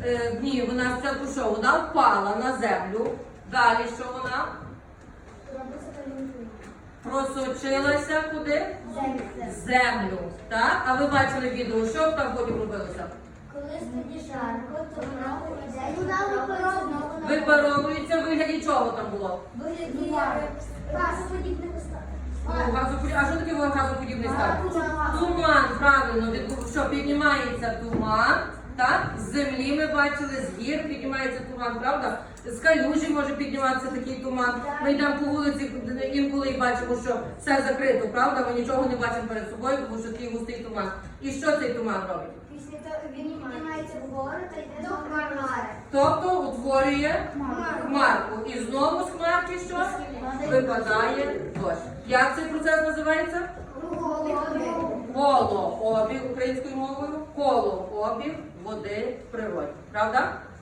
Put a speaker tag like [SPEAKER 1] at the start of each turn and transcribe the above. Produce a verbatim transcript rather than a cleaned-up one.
[SPEAKER 1] е, ні, вона спочатку що? Вона впала на землю. Далі що вона? Просочилася куди? Землю. Так? А ви бачили відео, що там потім робилося?
[SPEAKER 2] Коли тоді жарко, то вона
[SPEAKER 1] Випаровується, в вигляді чого там було?
[SPEAKER 2] вигляді газоподібних остатків.
[SPEAKER 1] Ну, газоподіб- А що таке газоподібний стан? Туман, правильно, від що піднімається туман, так? З землі ми бачили, з гір піднімається туман, правда? З калюжі може підніматися такий туман. Ми йдемо по вулиці інколи і бачимо, що все закрито, правда? Ми нічого не бачимо перед собою, тому що такий густий туман. І що цей туман робить?
[SPEAKER 2] Після того він піднімається вгору та йде до хмари.
[SPEAKER 1] Тобто утворює хмарку. І знову з хмарки що? Випадає дощ. Як цей процес називається? Колообіг українською мовою. Колообіг води в природі. Правда?